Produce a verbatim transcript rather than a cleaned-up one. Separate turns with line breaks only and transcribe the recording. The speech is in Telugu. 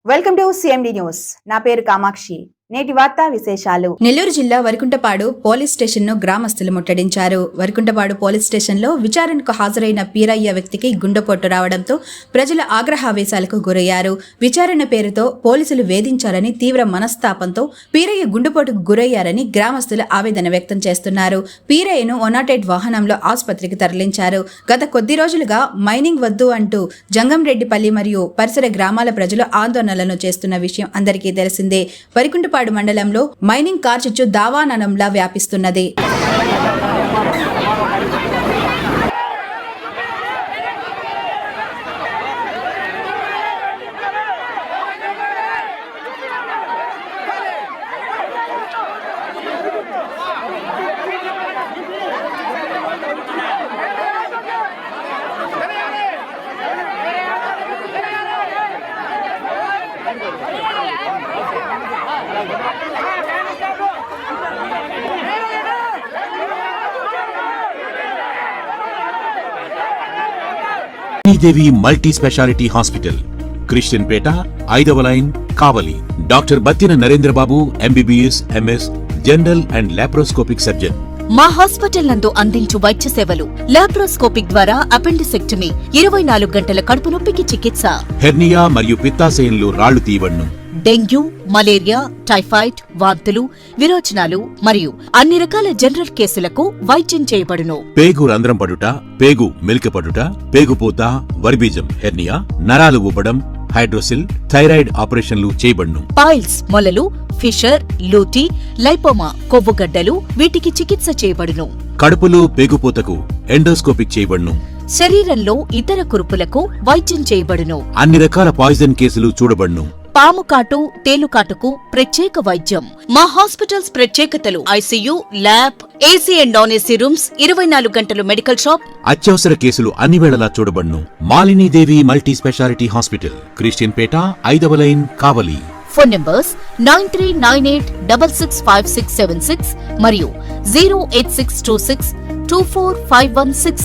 Welcome to CMD news. నా పేరు కామాక్షి. నేటి వార్తా విశేషాలు.
నెల్లూరు జిల్లా వరికుంటపాడు పోలీస్ స్టేషన్ ను గ్రామస్తులు ముట్టడించారు. వరికుంటపాడు పోలీస్ స్టేషన్ లో విచారణకు హాజరైన పీరయ్య వ్యక్తికి గుండెపోటు రావడంతో ప్రజల ఆగ్రహావేశాలకు గురయ్యారు. విచారణ పేరుతో పోలీసులు వేధించారని తీవ్ర మనస్తాపంతో పీరయ్య గుండెపోటుకు గురయ్యారని గ్రామస్తులు ఆవేదన వ్యక్తం చేస్తున్నారు. పీరయ్యను వన్ నాట్ ఎయిట్ వాహనంలో ఆసుపత్రికి తరలించారు. గత కొద్ది రోజులుగా మైనింగ్ వద్దు అంటూ జంగంరెడ్డిపల్లి మరియు పరిసర గ్రామాల ప్రజలు ఆందోళనలను చేస్తున్న విషయం అందరికీ తెలిసిందే. వరికుంటపాడు మండలంలో మైనింగ్ కార్చిచ్చు దావాననంలా వ్యాపిస్తున్నది.
Devi multi speciality hospital, Christian Peta, ఐదవ line, Kavali. Doctor Battina Narendrababu, MBBS, MS, general and laparoscopic surgeon.
మా హాస్పిటల్ నందు అందించు వైద్య సేవలు: లాప్రోస్కోపిక్ ద్వారా అపెండిసెక్టమీ, ఇరవై నాలుగు గంటల కడుపు నొప్పికి చికిత్స,
హెర్నియా మరియు పిత్తాశయంలో రాళ్లు తీయబడును,
డెంగ్యూ, మలేరియా, టైఫాయిడ్, వాంతులు, విరోచనాలు మరియు అన్ని రకాల జనరల్ కేసులకు వైద్యం చేయబడును.
పేగు రంధ్రం పడుట, పేగు మెలికపడుట, పేగుపూత, వర్బీజం, హెర్నియా, నరాలు ఉబ్బడం, హైడ్రోసిల్, థైరాయిడ్ ఆపరేషన్లు చేయబడును.
పైల్స్, మొలలు, ఫిషర్, లూటీ, లైపోమా, కొవ్వుగడ్డలు వీటికి చికిత్స చేయబడును.
కడుపులో పేగుపూతకు ఎండోస్కోపిక్ చేయబడును.
శరీరంలో ఇతర కురుపులకు వైద్యం చేయబడును.
అన్ని రకాల పాయిజన్ కేసులు చూడబడును.
పాము కాటు, తేలుకాటుకు ప్రత్యేక వైద్యం. మా హాస్పిటల్స్ ప్రత్యేకతలు: ICU, lab, AC and non AC rooms, ఇరవై నాలుగు గంటలు మెడికల్ షాప్.
అత్యవసర కేసులు అన్ని వేళలా చూడబడును. Malinidevi multi speciality hospital, Christian Peta, ఐదవ line, Kavali.
Phone numbers nine three nine eight double six five six seven six మరియు zero eight six two six two four five one six.